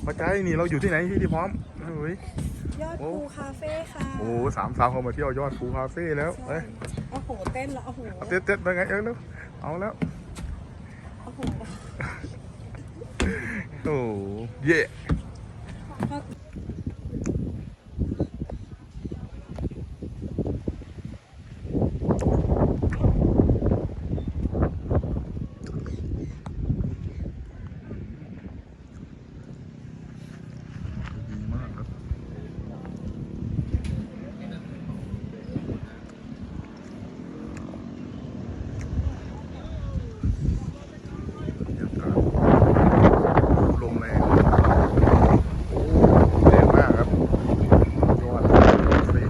พอใจนี่เราอยู่ที่ไหนที่พร้อมเฮ้ยยอดภูคาเฟ่ค่ะโอ้สามสาวเขามาเที่ยวยอดภูคาเฟ่แล้วเอ้ยโอ้โหเต้นแล้วโอ้โหเต้นไปไงแล้วเอาแล้วโอ้โหโอ้เย่ดีมากครับลมแรงโอ้แรงมากครับยอดเลย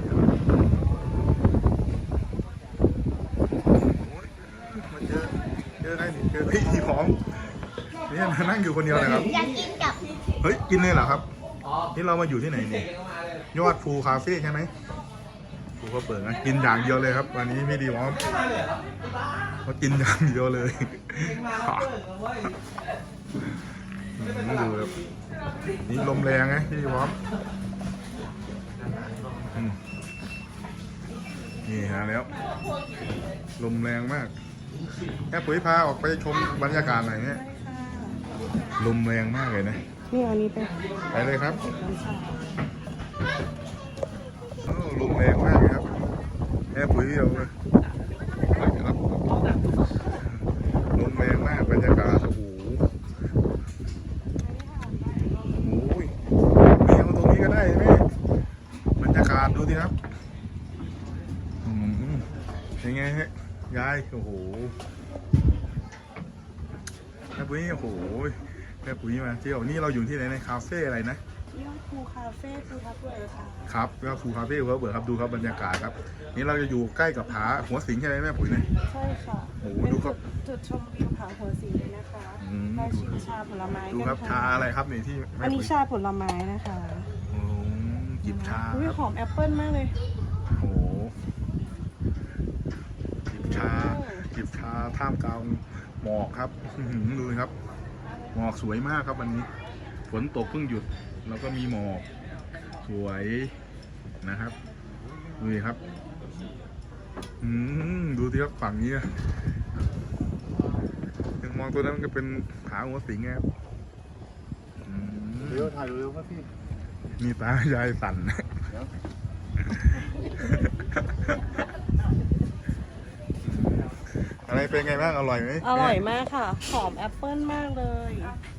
มาเจอได้นี่เจอพี่พร้อมเนี่ยนั่งอยู่คนเดียวเลยครับอยากกินกับเฮ้ยกินเลยเหรอครับนี่เรามาอยู่ที่ไหนเนี่ยยอดภูคาเฟ่ใช่ไหมภูก็เปิดนะกินอย่างเดียวเลยครับวันนี้พี่ดีพร้อมมากินอย่างเดียวเลยดูครับนี่ลมแรงไงพี่ดีพร้อมนี่ฮะแล้วลมแรงมากแค่ปุ๋ยพาออกไปชมบรรยากาศอะไรเงี้ยลมแรงมากเลยนะนี่อันนี้เป็นไปเลยครับน้ำชาลมแรงมากเลยครับแค่ปุ๋ยเดียวเลยครับลมแรงมากบรรยากาศโอ้โหโอ้ยเมียมาตรงนี้ก็ได้ไหมบรรยากาศดูสิครับยังไงฮะยายโอ้โหแม่ปุ๋ยโอ้โหแม่ปุ๋ยมาเที่ยวนี่เราอยู่ที่ไหนในคาเฟ่อะไรนะยอดภูคาเฟ่ภูทับเบิกค่ะครับก็ภูคาเฟ่ภูทับเบิกครับดูครับบรรยากาศครับนี่เราจะอยู่ใกล้กับผาหัวสิงใช่ไหมแม่ปุ๋ยเนี่ยใช่ค่ะโอ้โหเป็นดูครับจุดชมวิวผาหัวสีเลยนะคะได้ชิมชาผลไม้ดูกันครับชาค่ะอะไรครับนี่ที่แม่อันนี้ปุ๋ยชาผลไม้นะคะโอ้จิบชาอุ้ยครับหอมแอปเปิ้ลมากเลยโอ้โหจิบชาท่ามกลางหมอกครับดูครับหมอกสวยมากครับวันนี้ฝนตกเพิ่งหยุดแล้วก็มีหมอกสวยนะครับดูครับดูที่ครับฝั่งนี้ยังมองตัวนั้นมันก็เป็นผาหัวสิงครับเร็วถ่ายเร็วครับพี่มีตายายสั่นอะไรเป็นไงบ้างอร่อยไหมอร่อยมากค่ะ หอมแอปเปิ้ลมากเลยอ